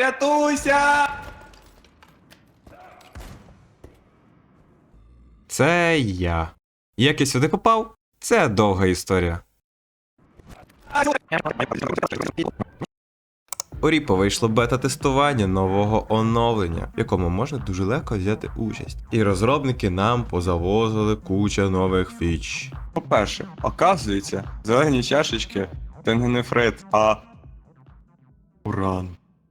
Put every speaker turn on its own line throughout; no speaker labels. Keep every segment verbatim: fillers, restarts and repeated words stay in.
Рятуйся!
Це я. Як я сюди попав? Це довга історія. У Ріпо вийшло бета-тестування нового оновлення, в якому можна дуже легко взяти участь. І розробники нам позавозили куча нових фіч.
По-перше, оказується, зелені чашечки це не нефрит, а уран.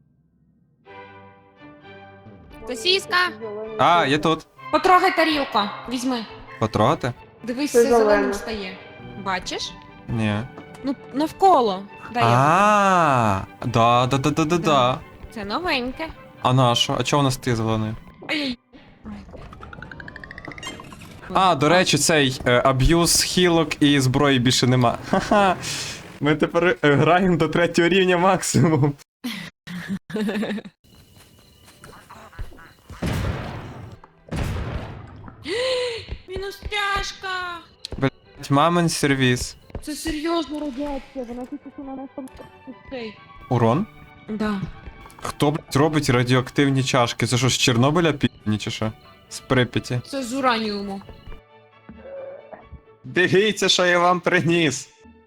Сосіска!
А, я тут.
Потрогай тарілку, візьми.
Потрогати?
Дивись,
Це
все зеленим
зелене.
стає. Бачиш?
Ні.
Ну, навколо. Дай я.
А, да, да, да, да, да, да.
Це новеньке.
А на що? А чого у нас ти зелений?
Ай-яй.
А, до речі, цей е, аб'юз хілок і зброї більше нема. Ха-ха. Ми тепер е, граємо до третього рівня максимум.
Мінус тяжка.
Мамин сервіс.
Це серйозно радіація, вона тільки що на нас там цей.
Урон?
Да.
Хто, блядь, робить радіоактивні чашки? Це що, з Чорнобиля пі***ні чи що? З Прип'яті.
Це з ураніуму.
Дивіться, що я вам приніс.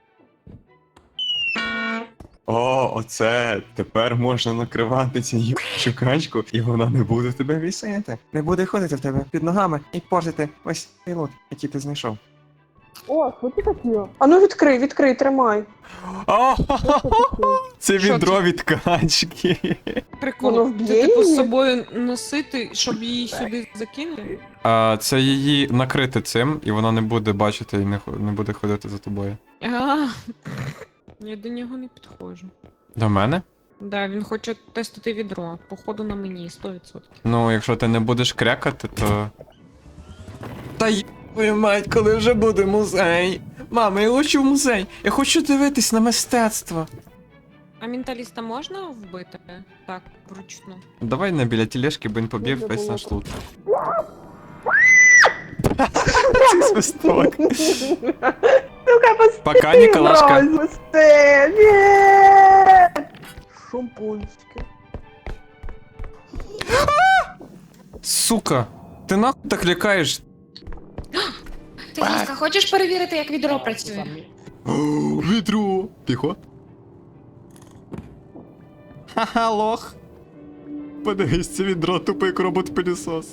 О, оце тепер можна накривати цю їбучу качку, і вона не буде в тебе вісити. Не буде ходити в тебе під ногами і портити ось цей лот, який ти знайшов.
О, що ти таке? А ну відкрий, відкрий, тримай.
О, це
Що
відро від качки.
Прикол.
Воно вб'є
Це типу з
її?
собою носити, щоб її сюди закинути?
А, це її накрити цим, і вона не буде бачити і не, хо- не буде ходити за тобою.
А, я до нього не підходжу.
До мене?
Да, він хоче тестити відро. Походу на мені, сто відсотків.
Ну, якщо ти не будеш крякати, то. Та й твою мать, коли вже буде музей. Мама, я хочу в музей. Я хочу дивитись на мистецтво.
А менталіста можна вбити? Так, вручну.
Давай не біля тележки, бо він поб'є
Дуже
весь
було
наш
так.
лут. Це свисток.
Ну-ка, пусти,
Пока, Ніколашка.
мразь, пусти, ні! Шампунське.
Сука, ти нахуй так лякаєш?
Сосіска, хочеш перевірити, як відро працює?
Відро. Тихо. Ха-ха, лох. Подивись, це відро тупий як робот-пилісос.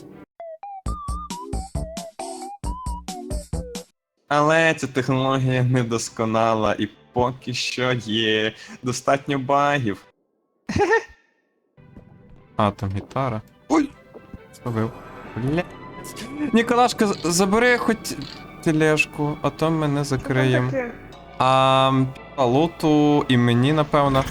Але ця технологія недосконала і поки що є достатньо багів.
А, там гітара. Ой! Зловив. Бля. Ніколашка, з- забери хоч тележку, а то мене закриєм.
Таке.
А, а луту і мені, напевно.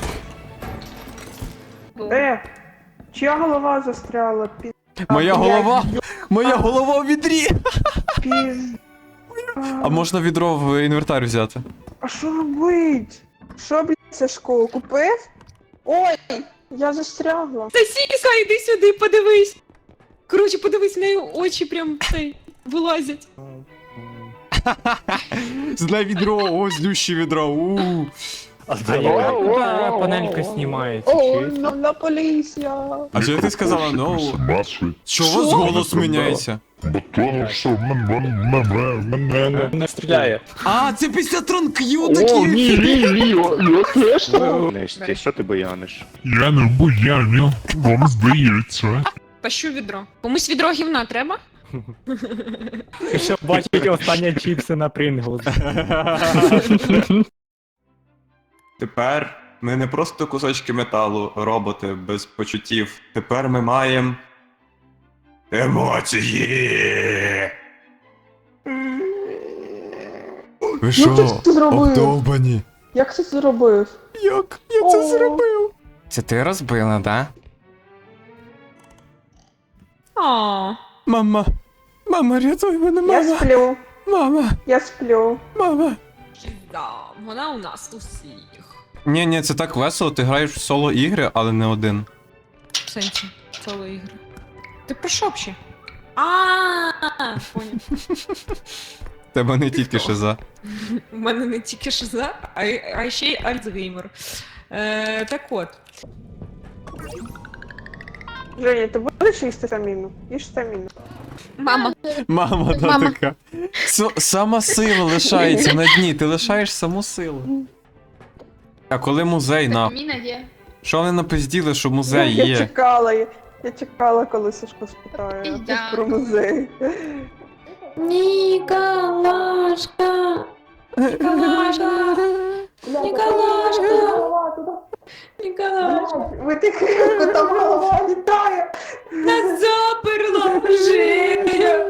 Е, чия голова застряла? Пі...
Моя
А,
голова! Моя голова в відрі!
Піз...
А можна відро в інвентар взяти?
А що робить? Що, блядь, Сашко, купив? Ой, я застрягла.
Сосіска, іди сюди, подивись. Коротше, подивись, в неї очі прям цей вилазять.
Зле відро, о, злющі відро. У.
А яка панелька знімається?
Ой,
Чи?
нам на поліція.
А що ти сказала, ну? Чого у вас голос міняється?
Тому що мене
Не стріляє.
А, це після тронк'ю
О, ні,
такі!
ні, ні, я теж.
Несті, що ти бояниш?
Я не буяню, вам здається.
Тащу відро. Комусь відро гівна треба?
Щоб бачити останні чіпси на Принглс.
Тепер ми не просто кусочки металу, роботи без почуттів. Тепер ми маємо емоції.
Ви
Ну ти це зробив?
обдовбані?
Як ти це зробив?
Як? Я
О.
це зробив? Це ти розбила, да?
А,
Мама. Мама, рятуй мене,
Я
мама.
сплю,
Мама,
я сплю.
мама.
да, вона у нас усіх.
Ні, ні, це так весело, ти граєш в соло ігри, але не один.
В сенсі, соло ігри. Ти про що взагалі? А, поняв.
Тебе не тільки шиза.
У мене не тільки шиза, а, й- а ще й Альцгеймер. Е, так от.
Женя, ти будеш їсти стаміну? Їж стаміну.
Мама.
Мама, да,
Мама.
така. С- сама сила лишається на дні, ти лишаєш саму силу. А коли музей, на?
Міна є.
Що вони напизділи, що музей
Я
є?
чекала, я, я чекала, коли Сашко спитає
Пізда.
щось про музей.
Ніколашка. Ніколашка. Ніколашка. Ніколашка.
Ви тихенько, там голова літає.
Нас заперла Женя.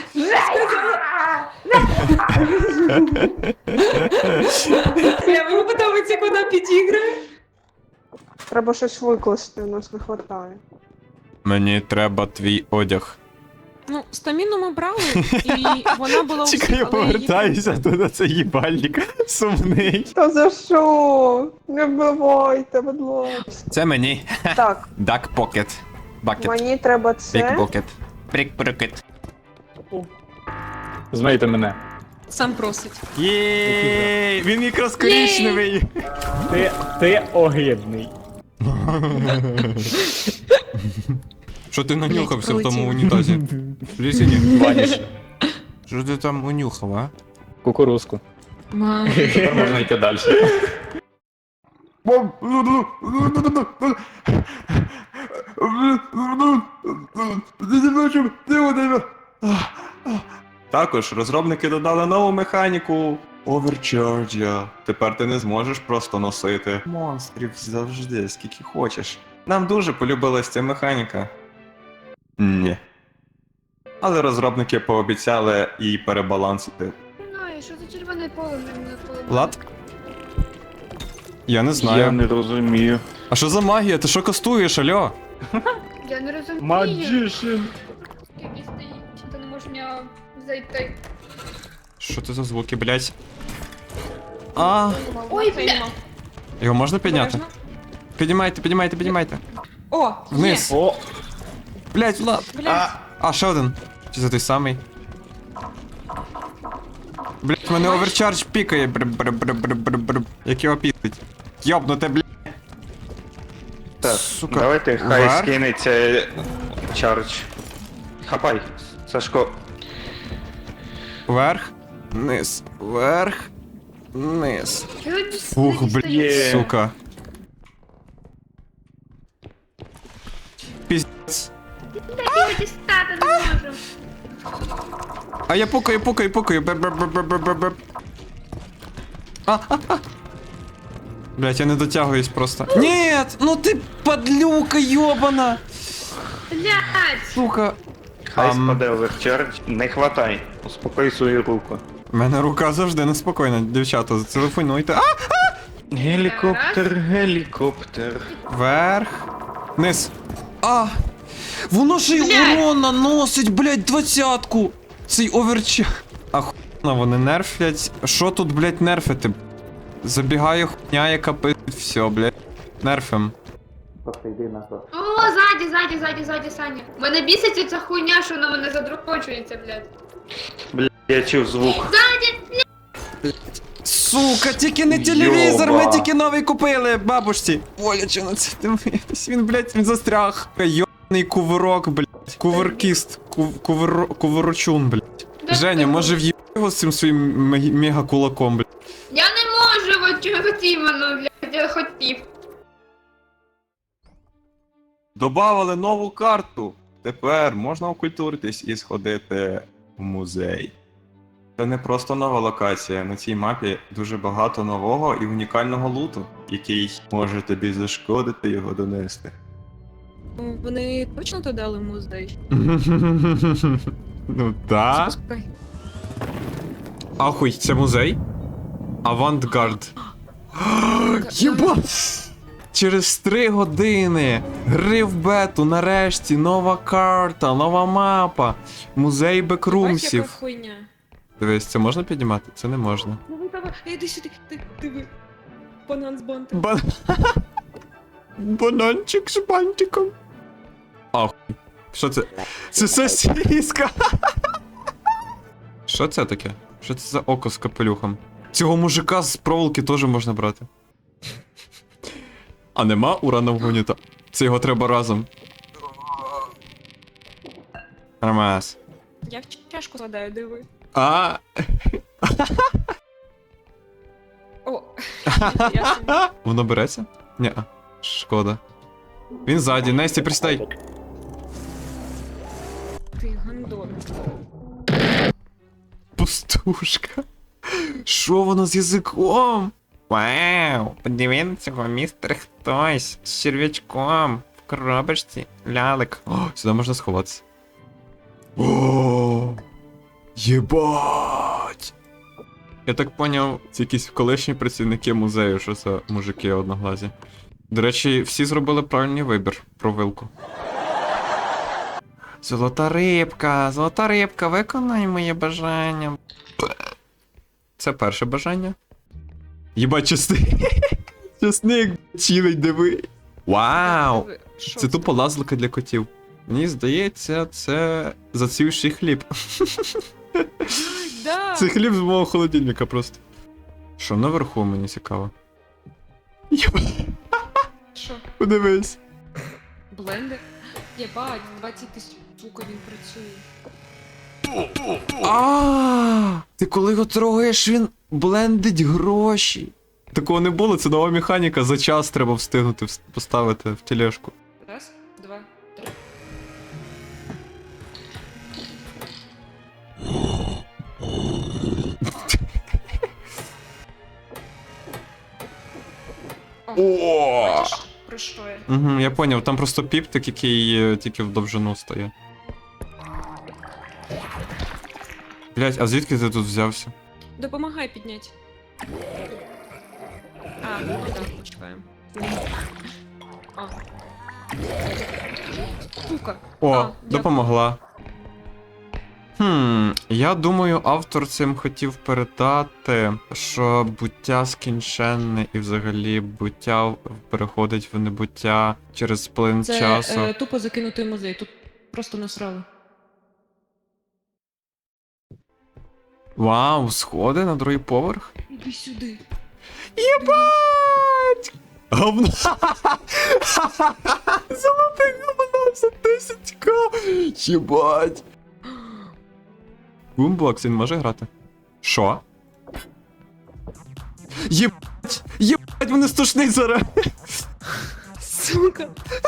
Бля, мені подобається, як вона підіграє.
Треба щось викласти, у нас не вистачає.
Мені треба твій одяг.
Ну, стаміну ми брали, і вона була у всіх,
Чекай, я
але її-
повертаюся туди, це їбальник сумний.
Та за що? Не вбивайте, будь ласка.
Це мені.
Так,
Duck Pocket. Bucket.
мені треба
Big
це.
Pocket. Brick Pocket.
Знайте мене.
Сам просить.
Єй, він якраз коричневий.
Ти, ти огидний.
Що ти нанюхався в тому
пролетів.
унітазі? Лісіні?
Ваніш.
Що ти там унюхав, а?
Кукурузку.
Мам.
Тепер можна йти далі.
Також розробники додали нову механіку Overcharge. Тепер ти не зможеш просто носити монстрів завжди, скільки хочеш. Нам дуже полюбилась ця механіка. Ні. Але розробники пообіцяли її перебалансити.
Знаю, що це червоне поле мене поле.
Лад? Я не знаю.
Я не розумію.
А що за магія? Ти що кастуєш, альо?
Я не розумію.
Magician.
Скільки стоїть, чи ти не можеш в нього зайти.
Що це за звуки, блять? А,
Ой, бля.
його можна підняти?
Обережно.
Піднімайте, піднімайте, піднімайте.
О,
Вниз.
є.
О,
Блять, Влад.
Блядь.
А, ще один. Чи це той самий? Блять, мене оверчардж пікає. Бр-бр-бр-бр-бр-бр. Як його пістить. Йобнуте, блять.
Так,
Сука.
давайте хай
Вверх.
скинеться чардж. Хапай, Сашко.
Вверх. Вниз. Вверх. Вниз.
Чого
Фух,
ти
блядь,
стоїш?
сука. Піздець.
Я дістати не можу.
А я пукаю, пукаю, пукаю. Бр-бр-бр-бр-бр-бр. А, а, а. Блять, я не дотягуюсь просто. Нет, ну ти подлюка йобана.
Блядь.
Сука.
Хай
Ам.
спаде оверчардж. Не хватай. Успокой свою руку.
У мене рука завжди неспокійна, дівчата, зателефонуйте. А!
Гелікоптер, гелікоптер.
Вверх. Вниз. А! Воно ж й урон наносить, блять, двадцятку. Цей оверча. Ахуєнно, вони нерфлять. Що тут, блять, нерфити? Забігає хуйня, яка пи... Все, блять. Нерфим.
О, ззаді, ззаді, ззаді, ззаді, Саня. Мене біситься ця хуйня, що вона мене задрукочується, блядь.
Бля, я чув звук.
Ззаді!
Сука, тільки не телевізор,
Йоба.
ми тільки новий купили, бабушці. Оля, чи на це дивитись? Він, блять, він застряг. Йобаний кувирок, блять. Куверкіст. Кув, кувер, куверочун, блять.
Де
Женя,
ти?
може в'їб його з цим своїм мег- мега-кулаком, блять.
Я не можу, от чого хотів, ну, блядь, я хотів.
Добавили нову карту. Тепер можна окультуритись і сходити в музей. Це не просто нова локація. На цій мапі дуже багато нового і унікального луту, який може тобі зашкодити його донести.
Вони точно то дали музей?
Ну та.
Пускай.
Ахуй, це музей? Авантгард. Єба! Через три години гри в бету, нарешті, нова карта, нова мапа, музей
Бач, яка
бекрумсів.
хуйня.
Дивись, це можна піднімати? Це не можна.
Давай, давай, іди сюди, ти, диви. Банан з бантом.
Ба... Бананчик з бантиком. Ахуй. Що це? Це сосиска. Що це таке? Що це за око з капелюхом? Цього мужика з проволоки теж можна брати. А нема уранового юніта? Це його треба разом. Нормас.
Я в чашку складаю, диви.
А.
О, я собі.
Воно береться? Ні. Шкода. Він ззаді. Несті, пристай.
Ти гандон.
Пустушка. Що воно з язиком? Вау! Подивіться, цього містер хтось з черв'ячком в коробочці. Лялик. О, сюди можна сховатися. О! Єбать! Я так поняв, це якісь колишні працівники музею, що це мужики одноглазі. До речі, всі зробили правильний вибір про вилку. Золота рибка, золота рибка, виконай моє бажання. Це перше бажання. Єбать, чесник. Чесник, чилить, диви. Вау!
Диви, що
Це тупо лазлика для котів. Мені здається, це зацвівший хліб.
Да.
Це хліб з мого холодильника просто. Що наверху, мені цікаво. Єбать,
Що?
подивись.
Блендер? Єбать, двадцять тисяч, сука, він працює.
А, ти коли його трогаєш, він блендить гроші. Такого не було, це нова механіка, за час треба встигнути вс- поставити в тележку.
Раз, два, три. О! Бачиш, про що я?
Угу, я поняв, там просто піптик, який е, тільки в довжину стає. Блять, а звідки ти тут взявся?
Допомагай підняти. А, ну так, почекаємо. А. Сука.
О,
А, дякую.
допомогла. Хм, я думаю, автор цим хотів передати, що буття скінченне і взагалі буття переходить в небуття через плин
Це
часу.
е, тупо закинутий музей, тут просто насрали.
Вау, сходи на другий поверх?
Іди сюди.
Єбать! Говно! Золотий говно за десять ка! Єбать! Бумбокс, він може грати? Що? Єбать! Єбать, вони стошнить зараз!
Сука.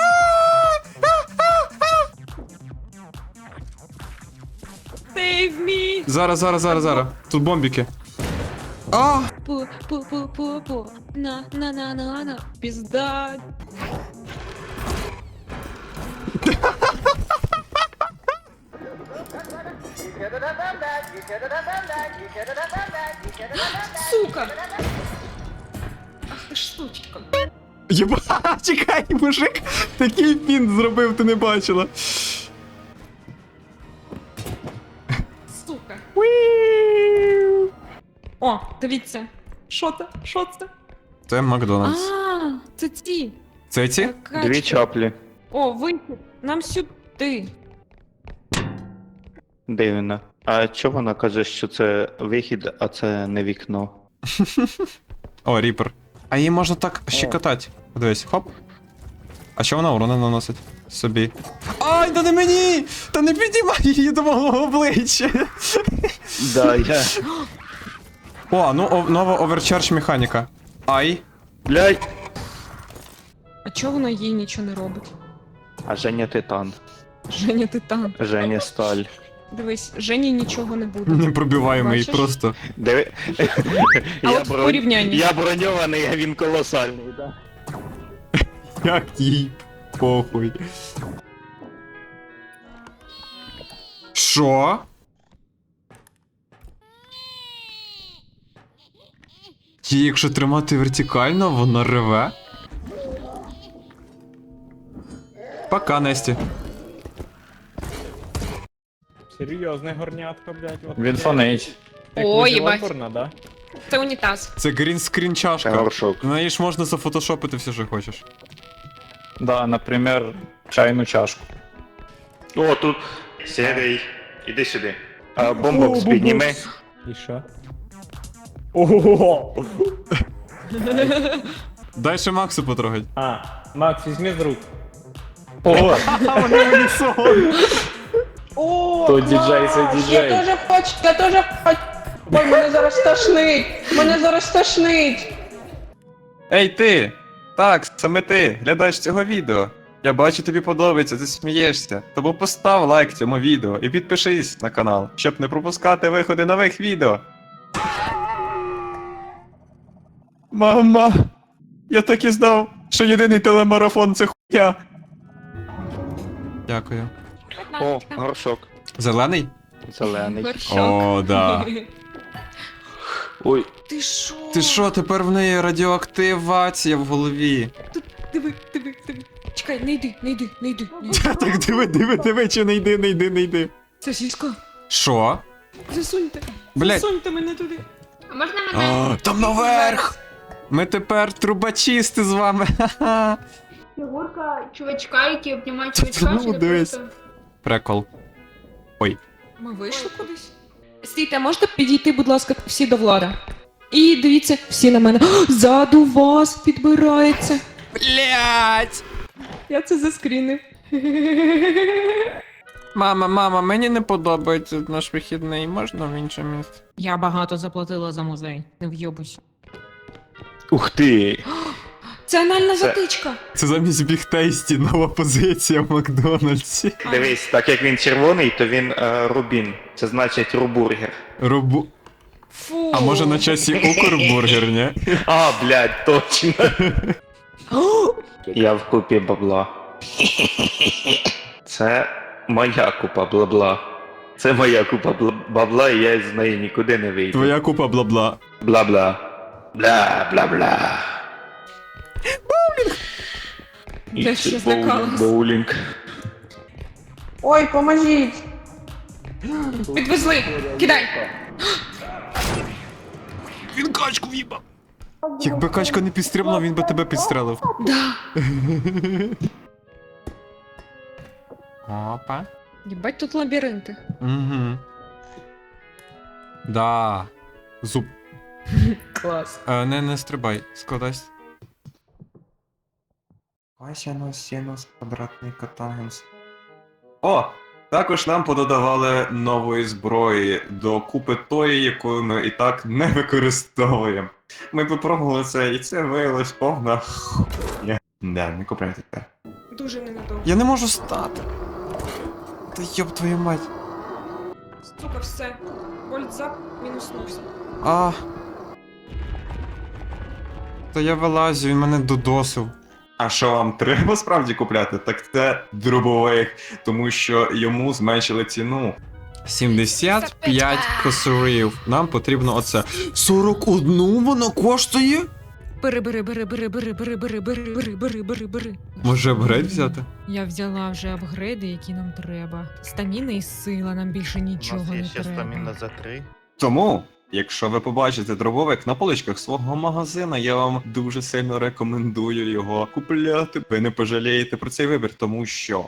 Save me!
Зараз, зараз, зараз, зараз. Тут бомбіки. А!
Пу, пу, пу, пу, пу. На, на, на, на, на. Пізда. Сука! Ах ти ж сучка.
Єбать, чекай, мужик! Такий фінт зробив, ти не бачила.
Сука. О, дивіться. Що це? Що це?
Це Макдональдс.
А, це ці.
Це ці?
Качки.
Дві чаплі.
О, вихід. Нам сюди.
Дивно. А чого вона каже, що це вихід, а це не вікно?
О, ріпер. А її можна так щекотати. Дивись, хоп. А що вона урони наносить? Собі. Ай, та не мені! Та не підіймай її до мого обличчя!
Да, я.
О, ну о, нова оверчардж механіка. Ай.
Блядь!
А чого вона їй нічого не робить?
А Женя титан.
Женя титан.
Женя сталь.
Дивись, Жені нічого не буде.
Не пробиваємо її
Бачиш?
просто.
Диви.
А от в порівнянні.
Я броньований, а він колосальний, да?
Як їй похуй. Що? Її, якщо тримати вертикально, вона реве. Пока, Несті.
Серйозне горнятко, блядь. От Він
Е,
фонить. фонить.
Ой, їбать.
да?
Це унітаз.
Це грінскрін чашка.
Горшок.
На неї ж можна зафотошопити все, що хочеш.
Да, наприклад, чайну чашку.
О, тут. Сірий. Іди сюди. А, бомбокс підніми.
І що? Ого!
Дай ще Максу потрогать.
А, Макс, візьми з рук. Ого!
А вони в унісон.
О,
То
клас!
діджей, це діджей.
Я теж хочу, я теж хочу. Ой, мене зараз тошнить. Мене зараз тошнить.
Ей ти! Так, саме ти, глядач цього відео. Я бачу, тобі подобається, ти смієшся. Тому постав лайк цьому відео і підпишись на канал, щоб не пропускати виходи нових відео. Мама! Я так і знав, що єдиний телемарафон це хуйня.
Дякую.
О, горшок.
Зелений?
Зелений.
Горшок.
О, да.
Ой,
Ти що?
Ти що, тепер в неї радіоактивація в голові?
Диви, диви, диви. Чекай, не йди, не йди, не йди. не йди.
Так, диви, диви, диви, чи не йди, не йди, не йди.
Це сільська.
Що?
Засуньте.
Блять.
Засуньте мене туди.
А можна мене?
А, там наверх! Ми тепер трубачисти з вами. Ха-ха.
Фігурка чувачка, який обнімає
Та
чувачка,
ну,
чи не
дивись.
просто?
Прикол.
Ми вийшли кудись? Стійте, можете підійти, будь ласка, всі до Влада? І дивіться, всі на мене. О, ззаду вас підбирається.
Блять!
Я це заскрінив.
Мама, мама, мені не подобається наш вихідний, можна в інше місце?
Я багато заплатила за музей. Не вйобусь.
Ух ти!
Це анальна
Це-
затичка.
Це замість бігтейсті нова позиція в Макдональдсі.
Дивись, так як він червоний, то він е, рубін. Це значить рубургер.
Рубу.
Фу.
А може на часі Укрбургер, ні?
А, блядь, точно.
О,
Я в купі бабла. Це моя купа бла-бла. Це моя купа бла- бабла, і я з неї нікуди не вийду.
Твоя купа бла-бла.
Бла-бла. Бла-бла-бла. Боулінг!
Я ще злякалась.
Боулінг.
Ой, поможіть.
Підвезли. Кидай.
Він качку в'їбав. Якби качка не підстрибнула, він би тебе підстрелив.
Да.
Опа.
Єбать, тут лабіринти.
Угу. Да. Зуб.
Клас.
Е, не, не стрибай, складайся.
Косінус, синус, квадратний котангенс. О! Також нам пододавали нової зброї до купи тої, яку ми і так не використовуємо. Ми попробували це, і це виявилось повна хуйня. Не, не купляйте це.
Дуже ненадовго.
Я не можу стати. Та йоб твою мать.
Сука, все. Вольтзап мінуснувся.
А. Та я вилазю, він мене додосив.
А що вам треба справді купляти? Так це дробовик, тому що йому зменшили ціну.
сімдесят п'ять косарів. Нам потрібно оце. сорок один воно коштує?
Бери, бери, бери, бери, бери, бери, бери, бери, бери, бери, бери, бери.
Може апгрейд взяти?
Я взяла вже апгрейди, які нам треба. Стаміна і сила, нам більше нічого не треба.
за три.
Тому, якщо ви побачите дробовик на поличках свого магазина, я вам дуже сильно рекомендую його купляти. Ви не пожалієте про цей вибір, тому що.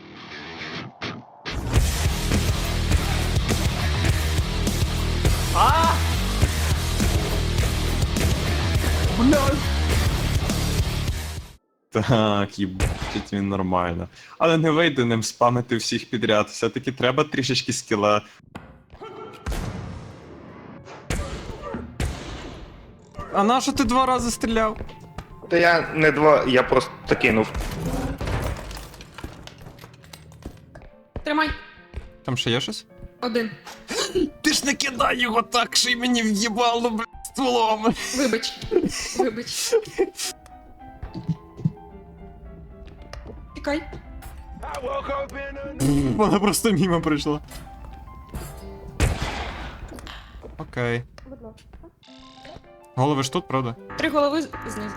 Так, їбать, він нормально. Але не вийде ним спамити всіх підряд. Все-таки треба трішечки скіла.
А на що ти два рази стріляв?
Та я не два, я просто кинув.
Тримай.
Там ще є щось?
Один.
Ти ж не кидай його так, що й мені в'їбало, блядь, стволом.
Вибач. Вибач. Тікай.
Вона просто мимо прийшла. Окей. Голови ж тут, правда?
Три голови з- знизу.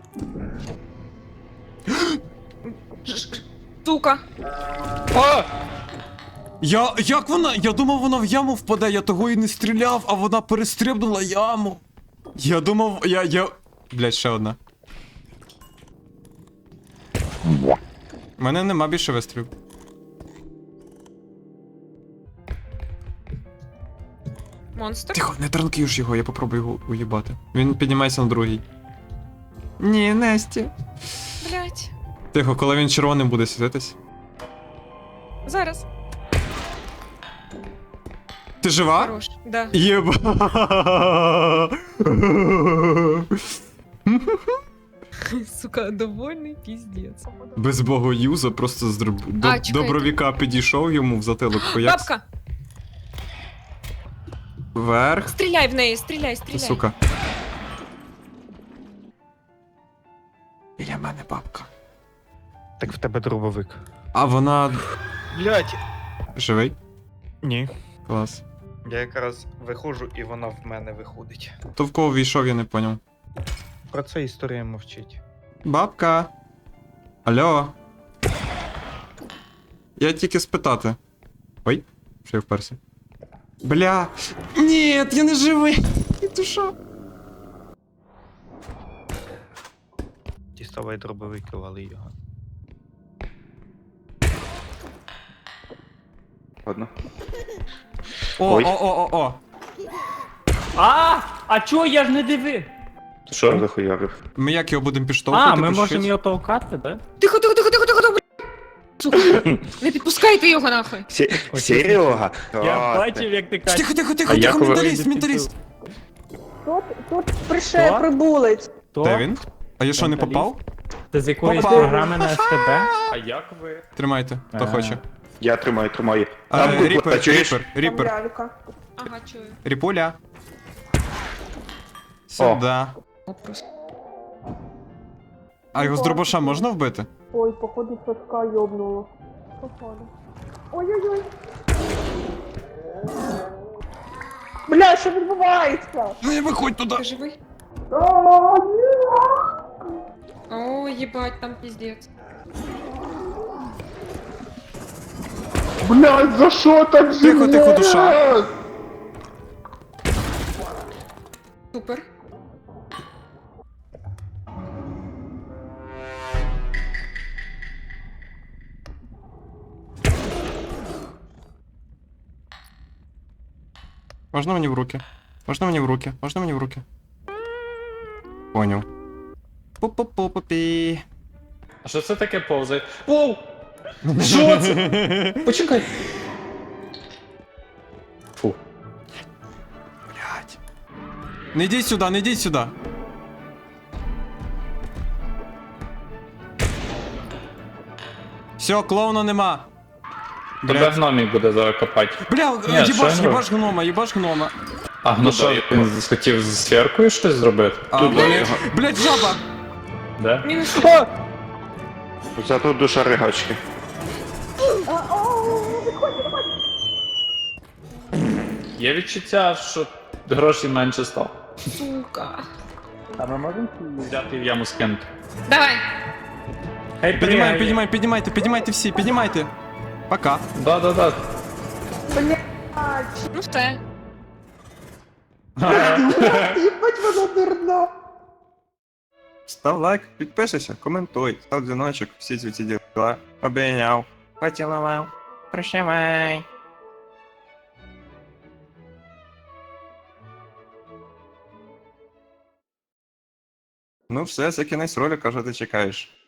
Сука.
О!
Я. Як вона? Я думав, вона в яму впаде, я того і не стріляв, а вона перестрибнула яму. Я думав, я. я. Блять, ще одна. У мене нема більше вистрілів.
Монстр.
Тихо, не транкуєш його, я попробую його уїбати. Він піднімається на другий. Ні, Несті.
Блять.
Тихо, коли він червоним буде світитись.
Зараз.
Ти жива?
Хорош. Да.
Єба.
Сука, довольний піздець.
Без богоюза просто з дроб... до...
А, чекайте.
добровіка підійшов йому в затилок пояс.
Бабка!
Вверх.
Стріляй в неї, стріляй,
Ти,
стріляй.
сука. Біля мене бабка.
Так в тебе дробовик.
А вона
Блять.
живий?
Ні.
Клас.
Я якраз виходжу і вона в мене виходить.
То в кого війшов, я не поняв.
Про це історія мовчить.
Бабка. Алло. Я тільки спитати. Ой, що я вперся. Бля. Ні, я не живий. Душа.
Діставай дробовик і вали його.
Ладно.
О,
Ой.
о, о, о, о.
А, а чого я ж не дивив?
Що захуярив?
Ми як його будемо підштовхувати?
А, ми
по
можемо
чуть-чуть?
його толкати, да?
Тихо, тихо, тихо, тихо, тихо, блядь. Сука, не підпускайте його нахуй.
Серега?
Я бачив, як ти кажеш.
Тихо, тихо, тихо,
А
тихо,
як ви-
менталіст, менталіст.
Тут, тут прийшов
Що?
прибулець.
То?
Де він? А я що, не
Менталіст?
попав?
Ти з якоїсь
Попав.
програми на СТБ? А як ви?
Тримайте, хто
А.
хоче.
Я тримаю, тримаю.
А,
Там буква,
Ріпер,
чуєш?
ріпер,
Там
ріпер.
лялька.
Ага, чую.
Ріпуля. Сюда.
О, просто.
А його з дробаша можна вбити?
Ой, походу Сашка йобнуло. Походу. Ой-ой-ой. Бля, що відбувається?
Не виходь туди.
Ти живий?
А, ні.
О, їбать, там піздець.
Блядь, за що так зі
Тихо, тихо,
мною?
душа.
Супер.
Можна мені в руки? Можна мені в руки? Можна мені в руки? Поняв. Пу-пу-пу-пу-пі.
А що це таке повзає? Воу! Що це? Почекай. Фу.
Блядь. Не йдіть сюди, не йдіть сюди. Все, клоуна нема.
Тебе
Блядь.
гномік буде зараз копати.
Бля,
Ні,
їбаш,
що я
їбаш гнома, їбаш гнома.
А ну що, він хотів з сферкою щось зробити?
А,
Тут
блядь,
його.
блядь, жаба.
Да?
Мінус.
Зато душа ригачки.
Є відчуття, що грошей менше стало.
Сука.
А ми можемо взяти в яму скинути?
Давай.
Хай
Піднімай,
пригає.
піднімай, піднімайте, піднімайте всі, піднімайте. Пока.
Да-да-да.
Бля,
Ну все.
їбать вона дурна.
Став лайк, підписуйся, коментуй, став дзвіночок, всі ці ці діла. Обійняв. Поцілував. Прощавай. Ну все, це кінець ролика, що ти чекаєш.